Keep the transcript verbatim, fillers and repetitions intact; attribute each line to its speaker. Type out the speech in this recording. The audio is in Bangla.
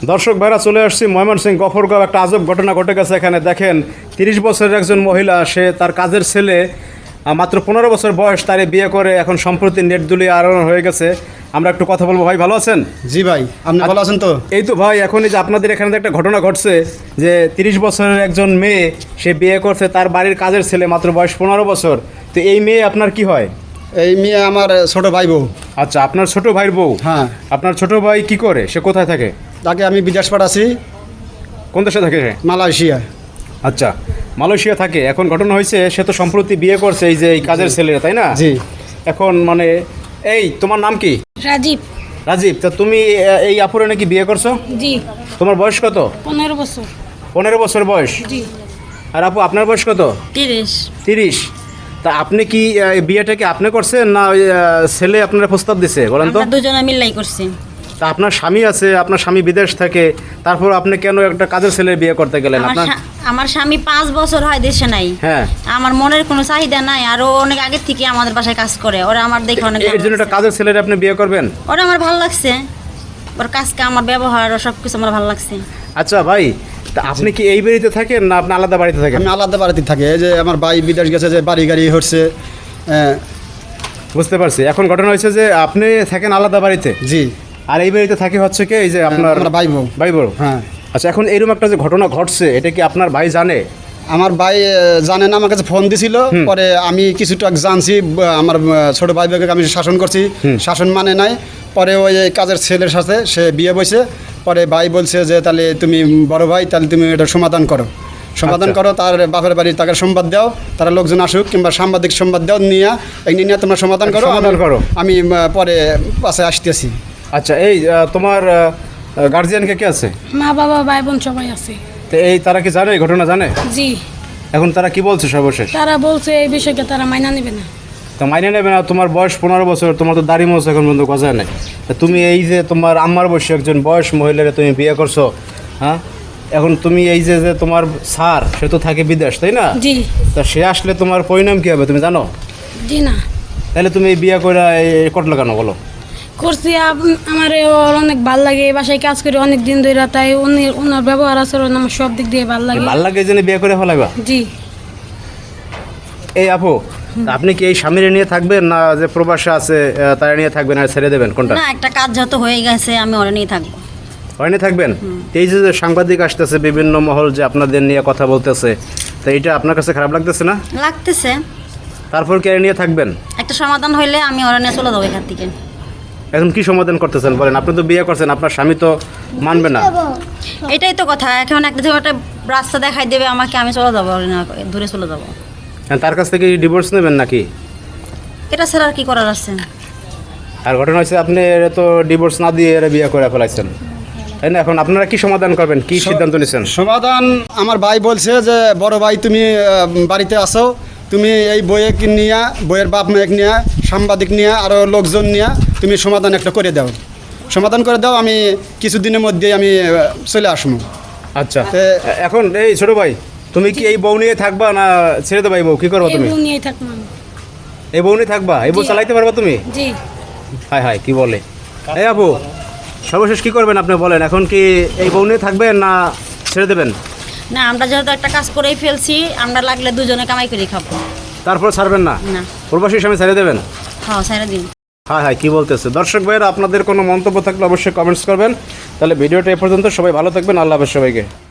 Speaker 1: দর্শক ভাইরা চলে আসছি ময়মনসিংহ গফরগাঁও। একটা আজব ঘটনা ঘটে গেছে এখানে। দেখেন, তিরিশ বছরের একজন মহিলা, সে তার কাজের ছেলে মাত্র পনেরো বছর বয়স, তারে বিয়ে করে এখন সম্প্রতি নেট দুলিয়ে আলোড়ন হয়ে গেছে। আমরা একটু কথা বলবো। ভাই ভালো আছেন?
Speaker 2: জি ভাই, আপনি ভালো আছেন তো?
Speaker 1: এই তো ভাই, এখনই যে আপনাদের এখানে একটা ঘটনা ঘটছে যে তিরিশ বছরের একজন মেয়ে সে বিয়ে করছে তার বাড়ির কাজের ছেলে, মাত্র বয়স পনেরো বছর। তো এই মেয়ে আপনার কি হয়?
Speaker 2: এই মেয়ে আমার ছোট ভাই বউ।
Speaker 1: আচ্ছা, আপনার ছোট ভাইয়ের বউ?
Speaker 2: হ্যাঁ।
Speaker 1: আপনার ছোট ভাই কি করে? সে কোথায় থাকে?
Speaker 2: তাকে আমি বিদেশ পাঠাচ্ছি।
Speaker 1: কোন দেশে থাকে সে?
Speaker 2: মালয়েশিয়া।
Speaker 1: আচ্ছা, মালয়েশিয়া থাকে। এখন ঘটনা হয়েছে, সে তো সম্প্রতি বিয়ে করছে এই যে এই কাজের ছেলেরা, তাই না?
Speaker 2: জি।
Speaker 1: এখন মানে এই তোমার নাম কি?
Speaker 3: রাজীব।
Speaker 1: রাজীব, তা তুমি এই আপুরে নাকি বিয়ে করছো?
Speaker 3: জি।
Speaker 1: তোমার বয়স কত?
Speaker 3: পনেরো বছর।
Speaker 1: পনেরো বছর বয়স?
Speaker 3: জি।
Speaker 1: আর আপু আপনার বয়স কত?
Speaker 3: তিরিশ।
Speaker 1: তিরিশ। তা আপনি কি এই বিয়েটা কি আপনি করছেন না ওই ছেলে আপনার প্রস্তাব দিছে? বলেন তো।
Speaker 3: আমরা দুজনে মিলাই করছি।
Speaker 1: তা আপনার স্বামী আছে, আপনার স্বামী বিদেশ থাকে, তারপর আপনি কেন একটা কাজের ছেলের বিয়ে করতে গেলেন?
Speaker 3: আমার
Speaker 1: আপনার
Speaker 3: স্বা- আমার স্বামী পাঁচ বছর হয় দেশে নাই।
Speaker 1: হ্যাঁ।
Speaker 3: আমার মনের কোনো চাহিদা নাই, আর ও অনেক আগের থেকে আমাদের বাসায় কাজ করে। ওরা আমার দেখে অনেক
Speaker 1: এর জন্য একটা কাজের ছেলের আপনি বিয়ে করবেন?
Speaker 3: ওরা আমার ভালো লাগছে, ওর কাজকে আমার ব্যবহার ও সব কিছু আমার ভালো লাগছে।
Speaker 1: আচ্ছা ভাই, তা আপনি কি এই বাড়িতে থাকেন না আপনি আলাদা বাড়িতে থাকেন?
Speaker 2: আমি আলাদা বাড়িতে থাকি। এই যে আমার ভাই বিদেশ গেছে, যে বাড়ি গাড়ি হচ্ছে। হ্যাঁ।
Speaker 1: বুঝতে পারছি। এখন ঘটনা হয়েছে যে আপনি থাকেন আলাদা বাড়িতে,
Speaker 2: জি।
Speaker 1: আর এই বাড়িতে থাকে হচ্ছে কি এই যে আপনার
Speaker 2: আমার ভাই বউ।
Speaker 1: ভাই বড়।
Speaker 2: হ্যাঁ।
Speaker 1: আচ্ছা, এখন এরকম একটা যে ঘটনা ঘটছে, এটা কি আপনার ভাই জানে?
Speaker 2: আমার ভাই আহ, জানে না, আমার কাছে ফোন দিছিল। পরে আমি কিছুটা জানছি। ব- আমার আহ, ছোট ভাই ভাইকে আমি শাসন করছি, শাসন মানে নাই। পরে ওই এই কাজের ছেলের সাথে সে বিয়ে বসে। পরে ভাই বলছে যে তাহলে তুমি বড় ভাই, তাহলে তুমি এটা সমাধান করো, সমাধান
Speaker 1: আচ্ছা।
Speaker 2: করো। তার বাপের বাড়ি তাকে সংবাদ দাও, তারা লোকজন আসুক, কিংবা সাংবাদিক সংবাদ দাও, নিয়ে এই নিয়ে তোমরা সমাধান করো।
Speaker 1: সমাধান
Speaker 2: আমি-
Speaker 1: করো।
Speaker 2: আমি আহ, পরে পাশে আসতেছি।
Speaker 1: আচ্ছা, এই আহ, তোমার গার্জিয়ানকে কে আছে?
Speaker 3: মা বাবা ভাই বোন সবাই আছে।
Speaker 1: তো এই তারা কি জানে, এই ঘটনা জানে?
Speaker 3: জি।
Speaker 1: এখন তারা কি বলছে সর্বশেষ?
Speaker 3: তারা বলছে এই বিষয়কে তারা মাইনা নেবে না।
Speaker 1: তো মাইনে নেবে না? তোমার বয়স পনেরো বছর, তোমার তো দাড়ি মোছ এখন পর্যন্ত গজায় নাই। তা তুমি এই যে তোমার আম্মার বয়সী একজন বয়স মহিলারে তুমি বিয়ে করছো, হ্যাঁ? এখন তুমি এই যে যে তোমার স্যার, সে তো থাকে বিদেশ, তাই না?
Speaker 3: জি।
Speaker 1: তা সে আসলে তোমার পরিণাম কী হবে তুমি জানো?
Speaker 3: জি না।
Speaker 1: তাহলে তুমি এই বিয়ে করে এই করলে কেন বলো?
Speaker 3: করছি, আপ- আমার ওর অনেক ভাল লাগে, এই বাসায় কাজ করি অনেক দিন ধরে, তাই উনি ওনার ব্যবহার আচরণ আমার সব দিক দিয়ে ভাল লাগে।
Speaker 1: ভাল লাগে এই জন্য বিয়ে করে ফেলাইবা?
Speaker 3: জি।
Speaker 1: এই আপু, তা আপনি কি এই স্বামীরে নিয়ে থাকবেন না যে প্রবাসে আছে আহ, তারা নিয়ে থাকবেন আর ছেড়ে দেবেন, কোনটা?
Speaker 3: না, একটা কাজ যত হয়ে গেছে আমি ওরা নিয়ে থাকবো।
Speaker 1: হয়নি থাকবেন? এই যে যে সাংবাদিক আসতেছে বিভিন্ন মহল, যে আপনাদের নিয়ে কথা বলতেছে, তো এটা আপনার কাছে খারাপ লাগতেছে না?
Speaker 3: লাগতেছে।
Speaker 1: তারপর কে নিয়ে থাকবেন?
Speaker 3: একটা সমাধান হইলে আমি ওরা নিয়ে চলে যাবো এখান থেকে।
Speaker 1: এখন কি সমাধান করতেছেন বলেন? আপনি তো বিয়ে করছেন, আপনার স্বামী তো মানবে না।
Speaker 3: এটাই তো কথা। এখন একটা থেকে একটা রাস্তা দেখাই দেবে আমাকে, আমি চলে যাবো, ওরা না দূরে চলে যাবো।
Speaker 1: এখন তার কাছ থেকে ডিভোর্স নেবেন নাকি?
Speaker 3: এটা ছাড়া আর কি করার আছে?
Speaker 1: আর ঘটনা হচ্ছে আপনি এরা তো ডিভোর্স না দিয়ে এরা বিয়ে করে ফেলাইছেন, তাই না? এখন আপনারা কি সমাধান করবেন, কি সিদ্ধান্ত নিয়েছেন?
Speaker 2: সমাধান আমার ভাই বলছে যে বড় ভাই তুমি আহ, বাড়িতে আসো, তুমি এই বইয়েক নিয়ে, বইয়ের বাপ মায়েক নিয়ে, সাংবাদিক নিয়ে, আরও লোকজন নিয়ে তুমি সমাধান একটা করে দাও, সমাধান করে দাও। আমি কিছুদিনের মধ্যেই আমি আহ, চলে আসবো।
Speaker 1: আচ্ছা,
Speaker 2: তে-
Speaker 1: এখন এই ছোট ভাই, তুমি কি এই বউ নিয়ে থাকবা না ছেড়ে দেবা? এই বউ কি করবো তুমি?
Speaker 3: এগুলো নিয়েই থাকবো আমি।
Speaker 1: এই বউ নিয়ে থাকবা? এই বউ
Speaker 3: জি।
Speaker 1: চালাইতে পারবা তুমি?
Speaker 3: জি।
Speaker 1: হায় হায়, কি বলে! এই আপু, সর্বশেষ কি করবেন আপনি বলেন? এখন কি এই বউ নিয়ে থাকবেন না ছেড়ে দেবেন?
Speaker 3: না, আমরা যেহেতু একটা কাজ করেই ফেলছি, আমরা লাগলে দুজনে কামাই করে খাবো।
Speaker 1: তারপর ছাড়বেন না?
Speaker 3: না।
Speaker 1: প্রবাসী স্বামী ছেড়ে দেবেন?
Speaker 3: হ্যাঁ, সারা দিন।
Speaker 1: হ্যাঁ হ্যাঁ, কি বলতেছে? দর্শক ভাইয়েরা, আপনাদের কোনো মন্তব্য থাকলে অবশ্যই কমেন্টস করবেন। তাহলে ভিডিওটা এ পর্যন্ত। সবাই ভালো থাকবেন। আল্লাহ হাফেজ সবাইকে।